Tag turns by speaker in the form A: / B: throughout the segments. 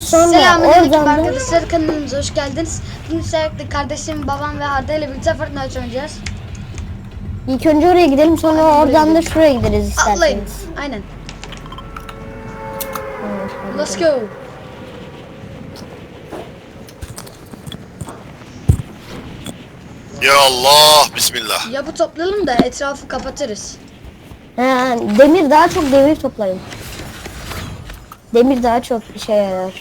A: Sonra
B: Selamünaleyküm
A: oradan da
B: arkadaşlar, kanalımıza hoş geldiniz. Bugün sürekli kardeşim, babam ve Arda ile birlikte Fortnite oynayacağız.
A: ilk önce oraya gidelim, sonra
B: Hadi
A: oradan da
B: gidelim.
A: şuraya gideriz
B: Atlayın.
A: isterseniz.
B: Aynen.
A: Evet,
B: Let's go.
C: Ya Allah, bismillah.
B: Yapı toplayalım da etrafı kapatırız.
A: He, demir daha çok demir toplayın. Demir daha çok işe yarar.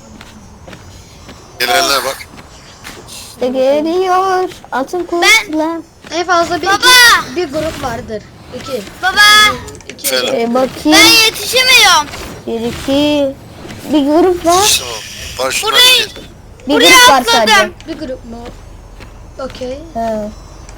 C: Gelenler bak.
A: İşte geliyor atın kılıçla.
B: En fazla bir grup vardır. İki.
D: Baba,
C: Efendim.
A: Bakayım.
D: ben yetişemiyorum.
A: Bir iki. Bir grup var.
C: Tamam. Var şunlar.
D: Burayı-
A: Bir
D: Buraya
A: grup var
D: atladım.
A: sadece.
B: Bir grup mu? Okey.
A: He.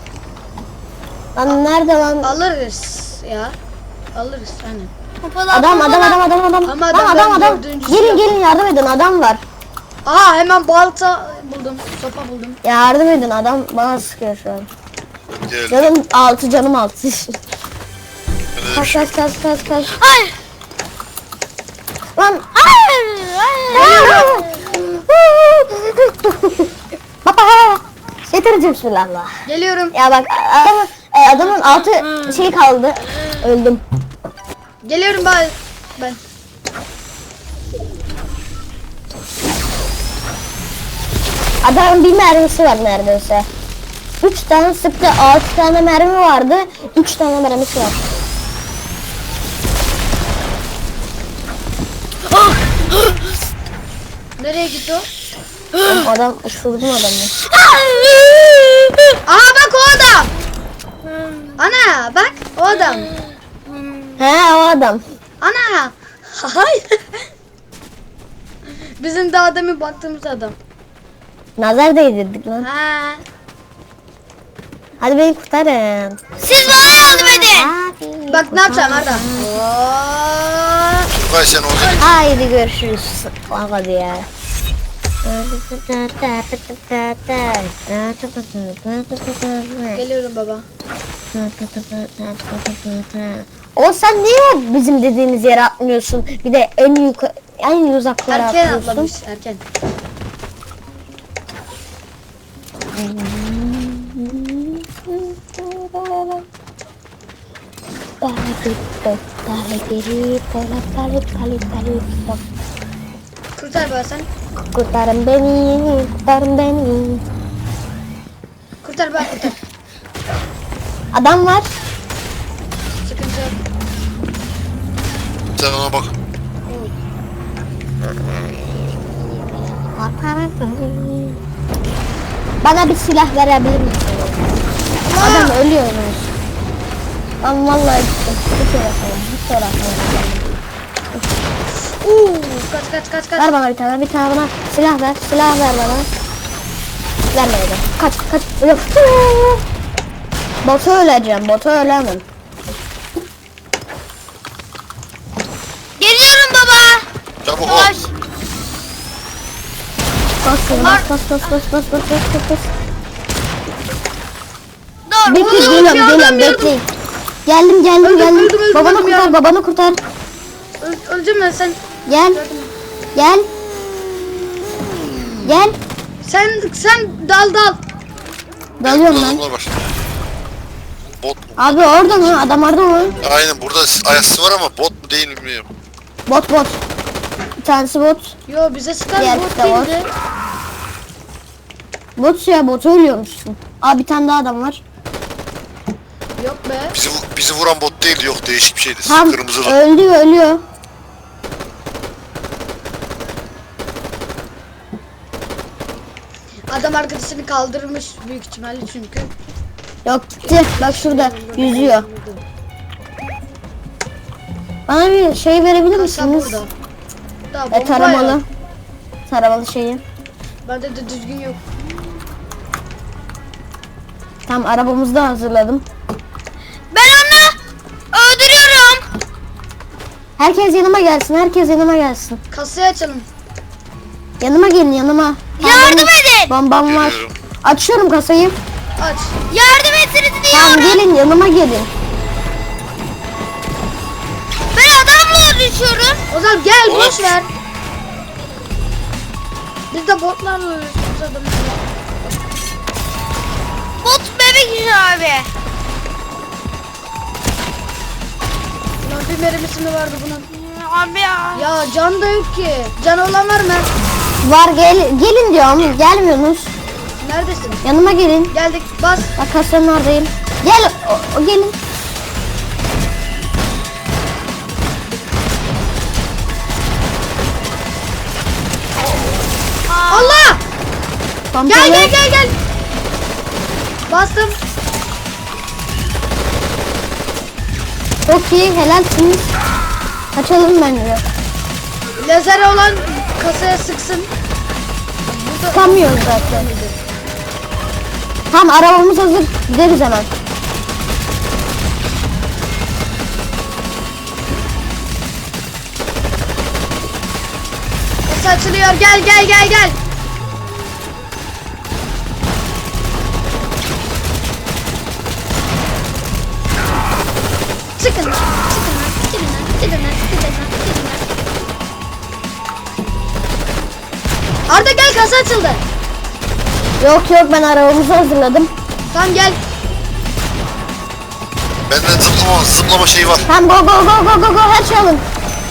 A: Lan nerede lan?
B: Alırız ya. Alırız aynen.
D: Hoppala,
A: Adam.
B: Ama
A: Lan
B: adam ben
A: adam.
B: dördüncüsü
A: Gelin yardım edin, adam var.
B: Aha, hemen balta buldum. Sopa buldum.
A: Yardım edin, adam bana sıkıyor şu an.
C: Geldi.
A: Canım 6 canım 6.
C: Öyle bir
A: Kaç
C: şey.
A: kaç kaç kaç kaç.
D: Ay,
A: Lan baba getireceğim bismillah.
B: Geliyorum.
A: Ya bak adamın altı şey kaldı. Öldüm.
B: Geliyorum ben.
A: Adamın bir mermisi var neredeyse. 3 tane sıktı, 6 tane mermi vardı. 3 tane mermisi var.
B: Nereye gitti o?
A: Adam ısırdım adamı.
B: Aha bak, o adam. Ana bak, o adam.
A: He, o adam.
B: Ana. Hayır. Bizim daha demin baktığımız adam.
A: Nazar değdirdik lan.
B: Ha.
A: Hadi beni kurtarın.
D: siz bana yardım edin.
B: Bak ne yapacağım Arda.
C: Vay sen orada.
A: Haydi görüşürüz. Hadi ya.
B: Geliyorum baba.
A: O sen niye bizim dediğimiz yere atmıyorsun? Bir de en uzaklara
B: Erken
A: atlıyorsun.
B: atlamış, erken. Kurtar baba sen.
A: Kurtarın beni, kurtarın beni.
B: Kurtar baba, kurtar.
A: Adam var.
B: Sıkıntı yok.
C: Sen ona bak.
A: Bana bir silah verebilir misin? Adam ölüyor. Ben vallahi gittim. Bir kere falan, bir kere falan.
B: Kaç.
A: Ver bana bir tane bana silah ver bana. Vermedi. Kaç. Yok. Botu ölemem.
D: Geliyorum baba.
C: Çabuk ol.
D: Yavaş.
A: Bas.
D: Dur.
A: Geliyorum bekleyin. Geldim.
B: Öldüm,
A: Babanı kurtar.
B: Öleceğim ben, sen.
A: Gel.
B: Sen dal.
A: Dalıyorum
C: Burada
A: lan.
C: adamlar var. Bot mu?
A: Abi orada mı? Adam orada mı?
C: Aynen burada ayası var ama bot mu değil mi bilmiyorum.
A: Bot. Bir tanesi bot.
B: Yo, bize sıkan
A: Diğer
B: bot
A: de var.
B: değildi.
A: Bot ya, botu ölüyormuşsun. Abi bir tane daha adam var.
B: Yok be.
C: Bizi vuran bot değil, yok değişik bir şeydi.
A: Tam
C: Kırmızılı.
A: ölüyor.
B: Adam arkadaşını kaldırmış büyük ihtimalle çünkü.
A: Yok gitti. Bak şurada yüzüyor. Bana bir şey verebilir
B: Kasa
A: misiniz?
B: burada. Daha bomba
A: Taramalı.
B: ya.
A: Taramalı şeyi.
B: Bende de düzgün yok.
A: Tam arabamızı da hazırladım.
D: Ben onu öldürüyorum.
A: Herkes yanıma gelsin.
B: Kasayı açalım.
A: Yanıma gelin.
D: Yardım edin.
A: Bombam var.
C: Geliyorum.
A: Açıyorum kasayı.
B: Aç.
D: Yardım etsiniz
A: Tamam
D: diyorum.
A: gelin, yanıma gelin.
D: Ben adamla düşüyorum.
B: O zaman gel,
C: Oğlum.
B: boş ver. Biz de botlarla ölüyoruz adamları.
D: Bot bebek işi abi.
B: Ulan bir mermisi mi vardı bunun?
D: Abi ya.
B: Ya can da yok ki. Can olan var mı?
A: Var gelin diyorum. Gelmiyorsunuz.
B: Neredesin?
A: Yanıma gelin.
B: Geldik bas.
A: Bak kasanın oradayım. Gel o gelin.
B: Allah!
A: Pompalı.
B: Gel. Bastım.
A: Çok iyi helalsiniz. Kaçalım bence.
B: Lazer olan kasaya sıksın.
A: Tutamıyoruz zaten. Tamam arabamız hazır. Gideriz hemen.
B: Kasa açılıyor. Gel. Çıkın. Gidin lan. Arda gel, kasa açıldı.
A: Yok ben arabamızı hazırladım.
B: Tamam gel.
C: Benden zıplama şeyi var.
A: Tamam go her şey alın.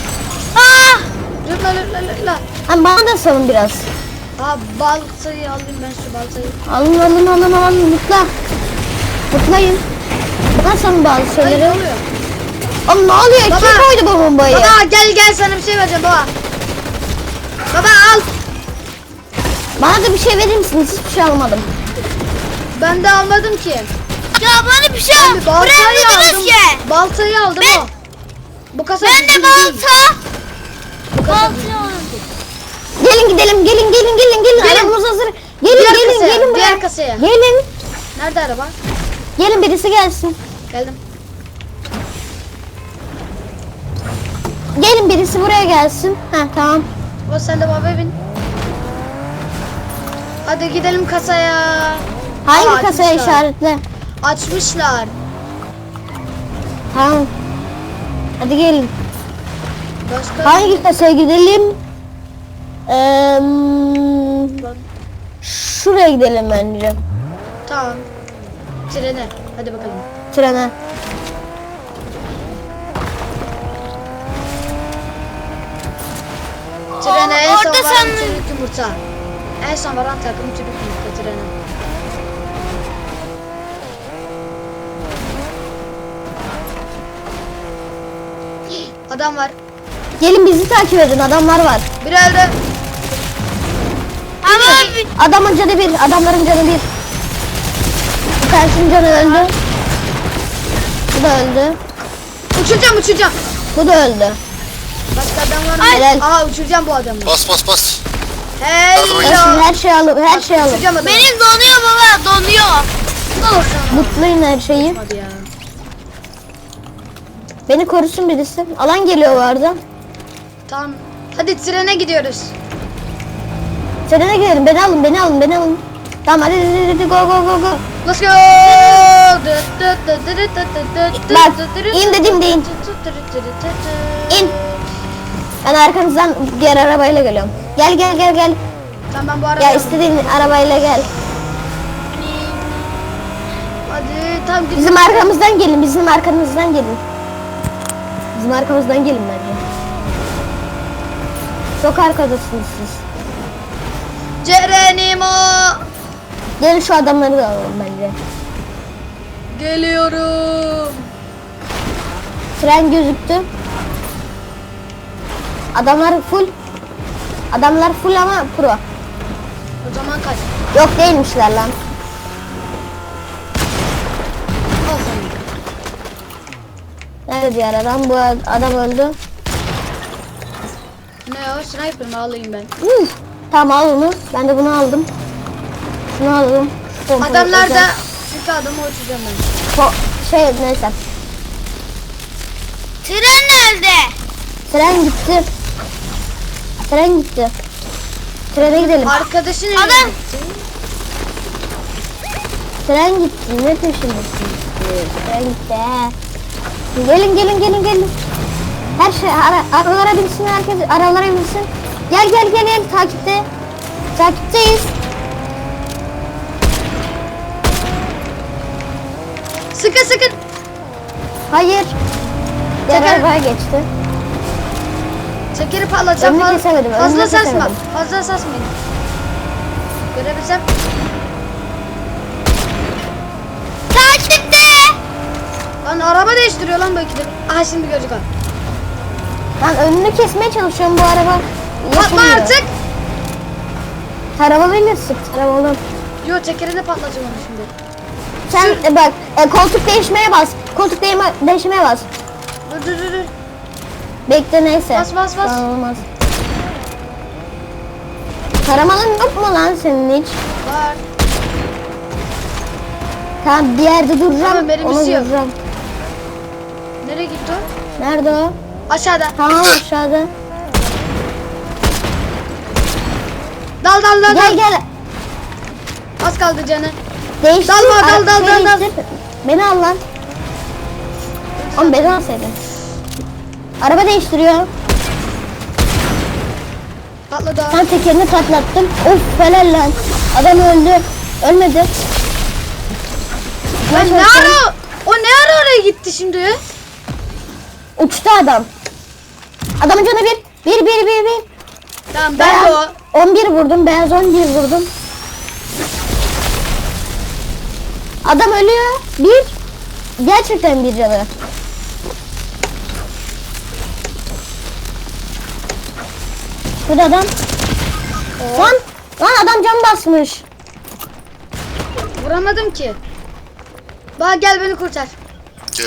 B: Lütla.
A: Tamam bana da salın biraz.
B: Aa, baltayı alayım ben, şu baltayı.
A: Alın mutla. Mutlayın. Bana salın bazı
B: Hayır,
A: şeyleri.
B: ne oluyor?
A: Oğlum ne oluyor?
B: Baba.
A: Kim koydu bu bombayı?
B: Baba gel sana bir şey vereceğim baba. Baba al.
A: Bana da bir şey verir misiniz? Hiçbir şey almadım.
B: Ben de almadım ki.
D: Ya bana bir şey
B: Ben
D: al.
B: bir
D: Buraya
B: baltayı
D: gidiniz
B: aldım.
D: ki.
B: Baltayı aldım o. Bu kasa
D: Ben de
B: bizim değil.
D: balta.
B: Bu kasa
D: Balta
B: bizim.
D: aldım.
A: Gelin gidelim.
B: Gelin.
A: Arabamız hazır.
B: Diğer
A: Gelin
B: kasaya,
A: buraya.
B: diğer kasaya.
A: Gelin.
B: Nerede araba?
A: Gelin birisi gelsin.
B: Geldim.
A: Gelin birisi buraya gelsin. Tamam.
B: O sen de baba bin. Hadi gidelim kasaya.
A: Hangi
B: Aa,
A: kasaya
B: açmışlar.
A: işaretle?
B: Açmışlar.
A: Tamam. Hadi gelin.
B: Başka
A: Hangi kasaya gidelim?
B: Lan,
A: Şuraya gidelim bence.
B: tamam. Trene. Hadi bakalım.
A: Trene.
B: Trene en son
D: orada
B: varan
D: sen-
B: çocuk yumurta. En son varan takım çocuk yumurta trene. Adam var.
A: Gelin bizi takip edin. Adamlar var.
B: Bir öldü.
D: Ama bir-
A: Adamın canı bir. Adamların canı bir. Bir tanesinin canı öldü. Bu da öldü.
B: Uçuracağım.
A: Bu da öldü.
B: Başka adam var mı?
A: Helal.
B: Aa, uçuracağım bu adamı.
C: Bas.
B: Hello.
A: Her şey alın. Her şey alın.
B: Uçuracağım adamı.
D: benim donuyor baba, donuyor.
B: Dur sana.
A: Mutlayın her şeyi.
B: Hadi ya.
A: Beni korusun birisi. Alan geliyor bu arada.
B: Tamam. Hadi trene gidiyoruz.
A: Trene gidelim. Beni alın. Tamam hadi go.
B: Let's go.
A: Bak, in dediğimde in. İn. Ben arkanızdan diğer arabayla geliyorum. Gel.
B: Tamam, ben bu arada.
A: Ya istediğin arabayla gel.
B: Hadi tam gidiyoruz.
A: Bizim arkamızdan gelin. Bizim arkamızdan gelin bence. Çok arkadasınız siz.
B: Cerenimo.
A: Gelin şu adamları da alalım bence.
B: Geliyorum.
A: Tren gözüktü. Adamlar full ama pro.
B: O zaman kaç.
A: Yok değilmişler lan.
B: Al sana.
A: Nerede diğer adam? Bu adam öldü.
B: Ne o? Sniper mi alayım ben?
A: Tamam al onu. Ben de bunu aldım. Şunu aldım. Şu pompayı
B: Adamlar da
A: özel-
B: iki adamı uçuracağım ben.
A: Neyse.
D: Tren nerede?
A: Tren gitti. Trene gidelim.
B: Arkadaşın
D: Adam.
B: evine gitti.
A: Tren gitti. Ne peşindesin? Tren gitti. Gelin. Her şey aralara binsin herkes. Aralara binsin. Gel takipte. Takipteyiz.
B: Sıkın sıkın.
A: Hayır. Diğer
B: Teker-
A: arabaya geçti.
B: Tekeri patlatacağım.
A: Önünü kesemedim,
B: Fazla
A: önünü
B: sarsma.
A: kesemedim.
B: Fazla sarsmayın. Görebilsem.
D: Takipte.
B: Lan araba değiştiriyor lan bu ikide. Aha şimdi görecek o.
A: Ben önünü kesmeye çalışıyorum bu araba.
B: Patla
A: yapamıyor.
B: artık.
A: Taramalıyla sık taramalım.
B: Yo tekeri de patlatacağım onu şimdi.
A: Sen bak koltuk değişmeye bas. Koltuk değişmeye bas.
B: Dur.
A: Bekle neyse.
B: Bas, bas.
A: Tamam, olmaz. Taramalın yok mu lan senin hiç?
B: Var.
A: Tamam bir yerde duracağım.
B: Tamam, benim
A: onu
B: istiyor.
A: duracağım.
B: Nereye gitti o?
A: Nerede o?
B: Aşağıda.
A: Tamam aşağıda.
B: Dal.
A: Gel gel.
B: Az kaldı canı.
A: Değiştir.
B: Dal.
A: Değiştir. Beni al lan. Oğlum beni alsaydın. Araba değiştiriyor.
B: Patladı o.
A: Ben tekerini patlattım. Of helal lan. Adam öldü. Ölmedi.
B: Lan ne ara? O ne ara oraya gitti şimdi?
A: Uçtu adam. Adamın canı bir.
B: Tamam ben de o.
A: 11 vurdum. Beyaz 11 vurdum. Adam ölüyor. Bir. Gerçekten bir canı. Burada adam. Lan adam cam basmış.
B: Vuramadım ki. Bak gel beni kurtar.
C: Gel.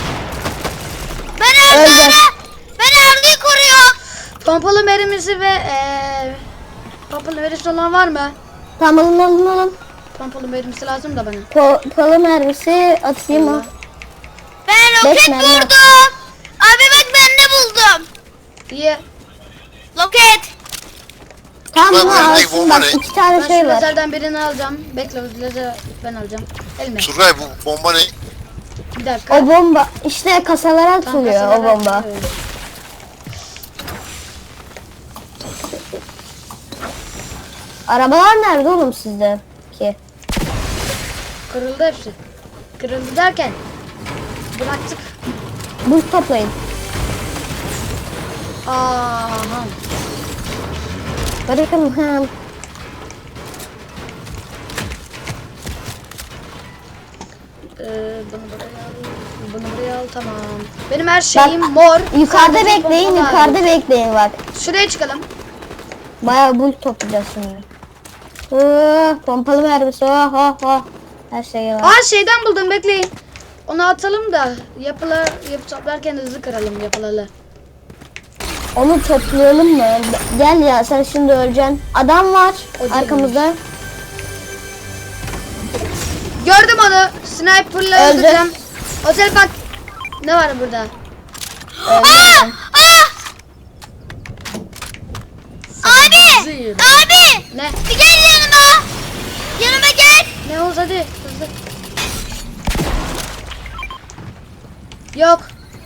D: Ben
A: Öldü.
D: Arda'yı koruyorum.
B: Pompalı mermisi ve pompalı mermisi olan var mı?
A: Tamam alın.
B: Pompalı mermisi lazım da bana.
A: Pompalı mermisi atayım mı?
D: Ben
A: Beş
D: roket
A: mermi
D: vurdum. Abi bak ben ne buldum.
B: İyi.
D: Roket.
A: Tamam
C: Ben
A: bunu
C: önündeki
A: alsın
C: bomba
A: bak
C: ne?
A: 2 tane
B: Ben
A: şey
B: şu
A: var.
B: lazerden birini alacağım. Bekle o lazer ben alacağım. Elime.
C: Turgay bu bomba ne?
B: Bir dakika.
A: O bomba işte kasalara
B: Tam
A: atılıyor o
B: kasalara
A: bomba.
B: atılıyor.
A: Arabalar nerede oğlum sizde ki?
B: Kırıldı hepsi. Kırıldı derken bıraktık.
A: Buz toplayın.
B: Aha.
A: Bırakın hem.
B: Bunu buraya al tamam. Benim her şeyim mor.
A: Yukarıda
B: Sadece
A: bekleyin,
B: pompalı
A: yukarıda
B: hariç.
A: bekleyin bak.
B: Şuraya çıkalım.
A: Bayağı buz toplayacağız şimdi. Pompalı mermisi, oh. Her şey var.
B: Aa şeyden buldum bekleyin. Onu atalım da yapı toplarken hızlı kıralım yapıları.
A: Onu toplayalım mı? Gel ya sen şimdi öleceksin. Adam var
B: O değil
A: arkamızda.
B: Gördüm onu. Sniper'la
A: Öldü.
B: öldüreceğim. Otel bak. Ne var burada?
A: Öldü.
D: Abi. Abi.
B: Ne?
D: Bir gel yanıma. Yanıma gel.
B: Ne oldu hadi hızlı. Yok.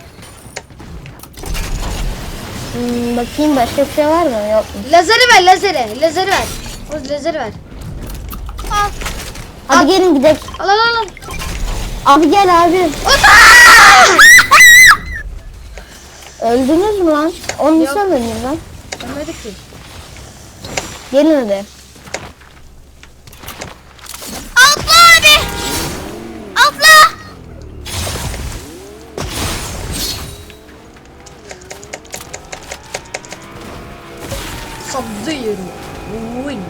A: Bakayım başka bir şey var mı? Yok mu?
B: Lazeri ver lazeri. Lazeri ver. O lazeri ver.
D: Al.
A: Hadi gelin gidelim.
B: Al.
A: Abi gel abi. Öldünüz mü lan? Onu
B: Yok.
A: nasıl öldünüz lan?
B: Ölmedik ki.
A: Gelin hadi.
D: Atla abi. Atla.
B: Sabzıyorum. Win.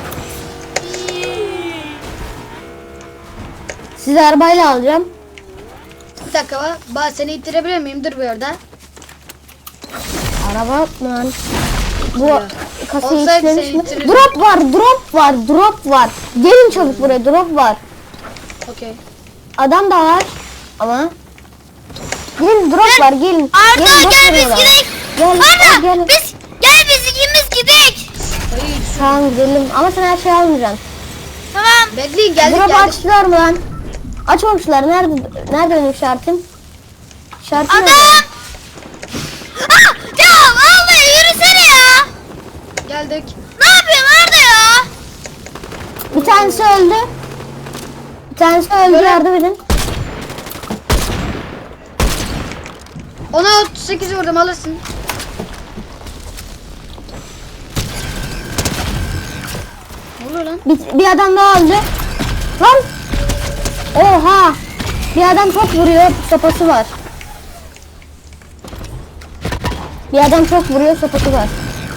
A: Sizi arabayla alacağım.
B: Bir dakika seni ittirebilir miyim? Dur bir orada.
A: Araba lan. Bu
B: Ya.
A: kasayı
B: Olsaydı
A: işlemiş
B: seni
A: mi?
B: ittirirdim.
A: Drop var. Gelin çabuk buraya drop var.
B: Okey.
A: Adam da var ama. Gelin drop var gelin.
D: Arda
A: Gelin, boş
D: gel
A: verin
D: biz
A: adamı.
D: gidelim.
A: Gel,
D: Arda
A: gel.
D: biz ikimiz gidelim.
B: Hayır.
A: Tamam gidelim ama sen her şeyi almayacaksın.
D: Tamam.
B: Bekleyin geldik
A: Drop
B: geldik.
A: açtılar mı lan? Açmamışlar. Nerede benim şartım? Şartım
D: Adam.
A: nerede?
D: Ah, ya vallahi yürüsene ya.
B: Geldik.
D: Ne yapıyorsun Arda ya?
A: Bir tanesi öldü. Bir tanesi öldü,
B: Böyle-
A: yardım edin.
B: Ona 38 vurdum, alırsın. Ne oluyor lan?
A: Bir adam daha öldü. Lan! Oha! Bir adam çok vuruyor, sopası var. Bir adam çok vuruyor, sopası var.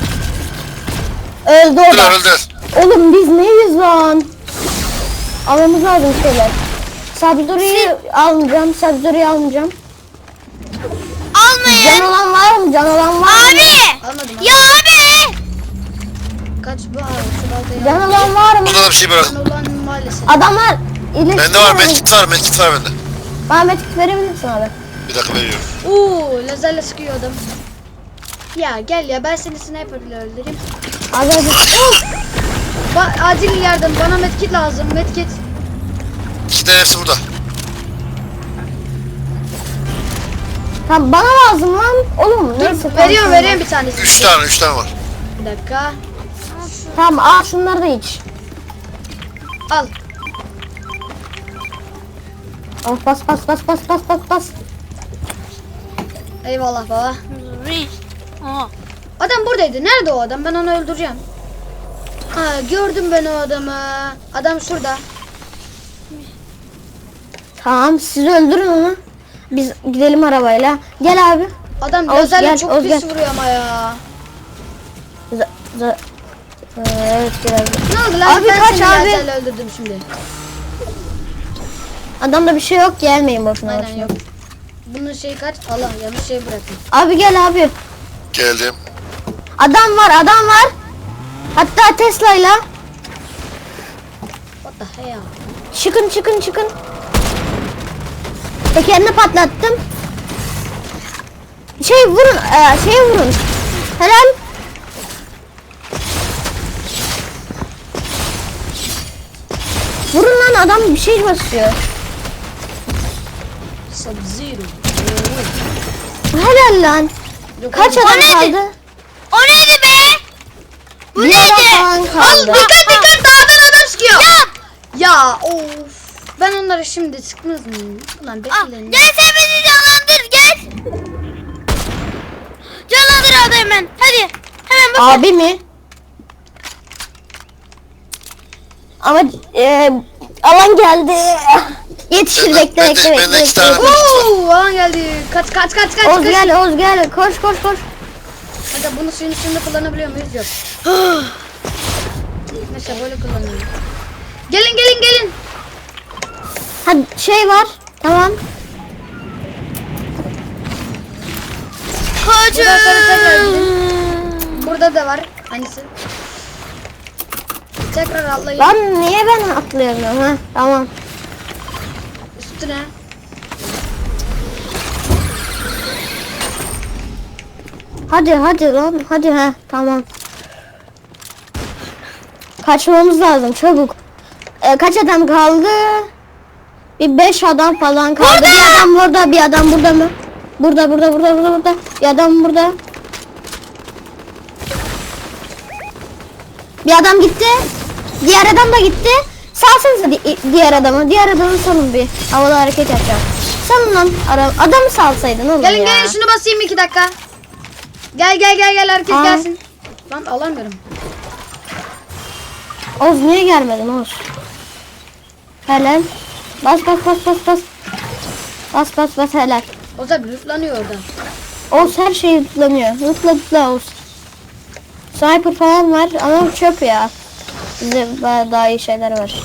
A: Öldü o da.
C: Öldü.
A: Oğlum biz neyiz lan? Almamız lazım şeyler. Sabzuri'yi almayacağım, Sabzuri'yi almayacağım.
D: Almayın.
A: Can olan var mı? Can olan var mı?
D: Abi.
B: Almadım.
D: Ya abi.
B: Kaç bu? Aa, şu baltayı
A: Can
B: al.
A: olan var mı?
C: Burada da bir şey bırak.
B: Can olan maalesef.
A: Adamlar iyileşti.
C: Bende var, medkit var, medkit var bende.
A: Bana medkit verebilirsin abi.
C: Bir dakika veriyorum.
B: Uuu lazerle sıkıyor adam. Ya gel ya, ben seni sniper'la öldüreyim.
A: Az önce...
B: Acil yardım, bana medkit lazım, medkit.
C: İşte hepsi burada.
A: Tamam, bana lazım lan. Oğlum neyse.
B: Dur,
A: tamam,
B: veriyorum
A: tamam.
B: bir tanesini.
C: 3 tane var.
B: Bir dakika.
A: Tamam, al şunları da iç.
B: Al.
A: Of, bas.
B: Eyvallah baba.
D: Aa.
B: Adam buradaydı. Nerede o adam? Ben onu öldüreceğim. Ha, gördüm ben o adamı. Adam şurada.
A: Tamam, siz öldürün onu. Biz gidelim arabayla. Gel abi.
B: Adam
A: Oğuz
B: lazerle
A: gel,
B: çok
A: Oğuz
B: pis
A: gel.
B: vuruyor ama ya.
A: Evet, gel abi.
B: Ne oldu lan?
A: Abi
B: Ben
A: kaç
B: seni
A: abi?
B: lazerle öldürdüm şimdi.
A: Adamda bir şey yok, gelmeyin boşuna.
B: Aynen
A: boşuna.
B: yok. Bunun şeyi kaç? Allah, yanlış şey bıraktım.
A: Abi gel abi.
C: Geldim.
A: Adam var. Hatta Tesla'yla.
B: What the hell?
A: Çıkın. Tekerini patlattım. Vurun. Helal. Vurun lan, adam bir şey basıyor.
B: Sub-Zero.
A: Helal lan.
B: Yok,
A: Kaç
B: oğlum.
A: adam
D: neydi?
A: kaldı?
D: O neydi be? Bu
A: Bir adam falan
D: neydi?
A: kaldı.
B: Dikkat dağdan adam sıkıyor. Ya of. Ben onları şimdi sıkmaz mıyım? Ulan
D: Al.
B: bekleyin.
D: Gel sen bizi canlandır gel. Canlandır abi hemen. Hadi. Hemen bak.
A: Abi mi? Ama alan geldi. Yetişir, bekle.
C: Bende 2 tane medkit var.
B: Oo, alan geldi. Kaç.
A: Oğuz gel. Koş.
B: Hadi bunu suyun üstünde kullanabiliyor muyuz? Yok. Mesela böyle kullanıyorum. Gelin.
A: Hadi şey var. Tamam.
B: Buradan sonra tekrar gidin. Burada da var. Hangisi? Tekrar atlayın.
A: Lan niye ben atlayamıyorum ha? Tamam.
B: Üstüne.
A: Hadi lan. Hadi ha. Tamam. Kaçmamız lazım çabuk. Kaç adam kaldı? Bir 5 adam falan kaldı. Bir adam burada, bir adam burada mı? Burada. Bir adam burada. Bir adam gitti. Diğer adam da gitti. Salsanıza diğer adamı. Diğer adamı salın bir. Havada hareket yapacağım. Salın lan. Adamı salsaydın oğlum ya.
B: Gelin şunu basayım 2 dakika. Gel herkes
A: Aa.
B: gelsin. Lan alamıyorum.
A: Oğuz niye gelmedin Oğuz? Helal. Bas. Bas helal.
B: O da bluflanıyor orada.
A: Oğuz her şeyi lootlanıyor. Lootla Oğuz. Sniper falan var ama çöp ya. Bizde daha iyi şeyler var.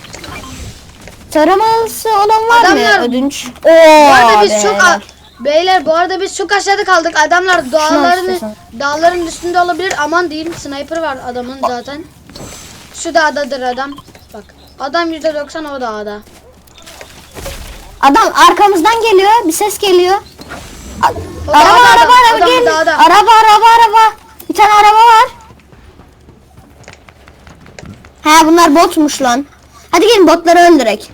A: Taraması olan var
B: Adamlar-
A: mı? Ödünç.
B: Bu arada biz
A: be.
B: çok beyler bu arada biz çok aşağıda kaldık. Adamlar
A: istiyorsan.
B: dağların üstünde olabilir. Aman diyeyim, sniper var adamın zaten. Şu dağdadır adam. Bak. Adam %90 o dağda.
A: Adam arkamızdan geliyor. Bir ses geliyor.
B: O
A: Araba
B: dağda, adam
A: gel.
B: dağda.
A: Araba. Bir tane araba var. He bunlar botmuş lan. Hadi gelin botları öldürek.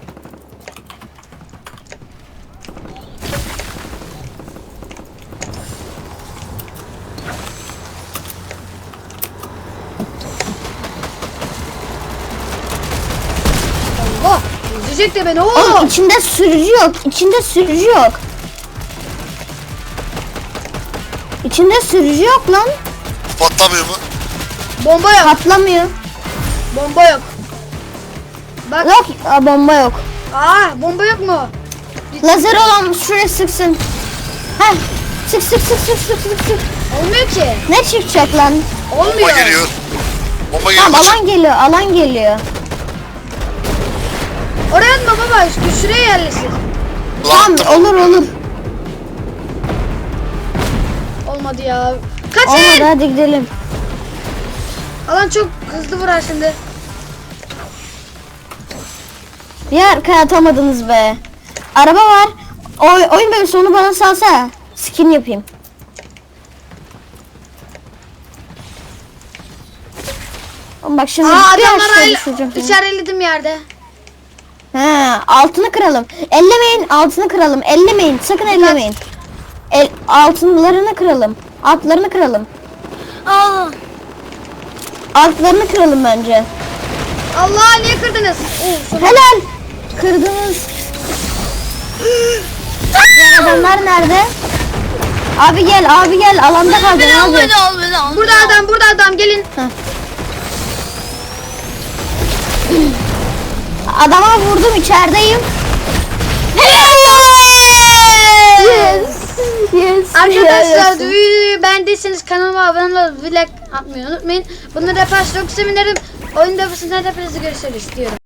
B: Öldürecek de beni.
A: Oğlum
B: Oo.
A: içinde sürücü yok. İçinde sürücü yok. İçinde sürücü yok lan.
C: Patlamıyor mu?
B: Bomba yok.
A: Patlamıyor.
B: Bomba yok. Bak.
A: Yok, bomba yok.
B: Aa, bomba yok mu?
A: Lazer olan şuraya sıksın. Heh. Sık sık sık sık sık sık sık.
B: Olmuyor ki.
A: Ne çıkacak lan?
C: Bomba
B: Olmuyor.
C: geliyor. Bomba geliyor.
A: Tamam alan geliyor, alan geliyor.
B: Oraya atma baba. Şuraya yerleştir.
A: Tamam olur olur.
B: Olmadı ya.
A: Olmadı
B: Kaçın.
A: hadi gidelim.
B: Alan çok hızlı vurar şimdi.
A: Bir arkaya atamadınız be. Araba var. Oyun bölümü onu bana salsa. Skin yapayım. Oğlum bak şimdi
B: Aa,
A: bir
B: adamlar
A: aşağı düşeceğim.
B: işaretledim yerde.
A: He, altını kıralım. Ellemeyin, altını kıralım. Ellemeyin, sakın ellemeyin. Altınlarını kıralım. Altlarını kıralım.
D: Aa.
A: Altlarını kıralım bence.
B: Allah, niye kırdınız? Oo, sonra-
A: Helal. Kırdınız. Diğer adamlar nerede? Abi gel, abi gel. Alanda kaldın
D: Beni al
A: abi.
D: beni al beni al.
B: Burada adam, burada adam, gelin.
A: Adama vurdum, içerideyim. Yes. Yes.
B: Arkadaşlar
A: yes.
B: videoyu beğendiyseniz kanalıma abone olup like atmayı unutmayın. Bunları yaparsanız çok sevinirim. Oyun deposunda hepinizi görüşürüz diyorum.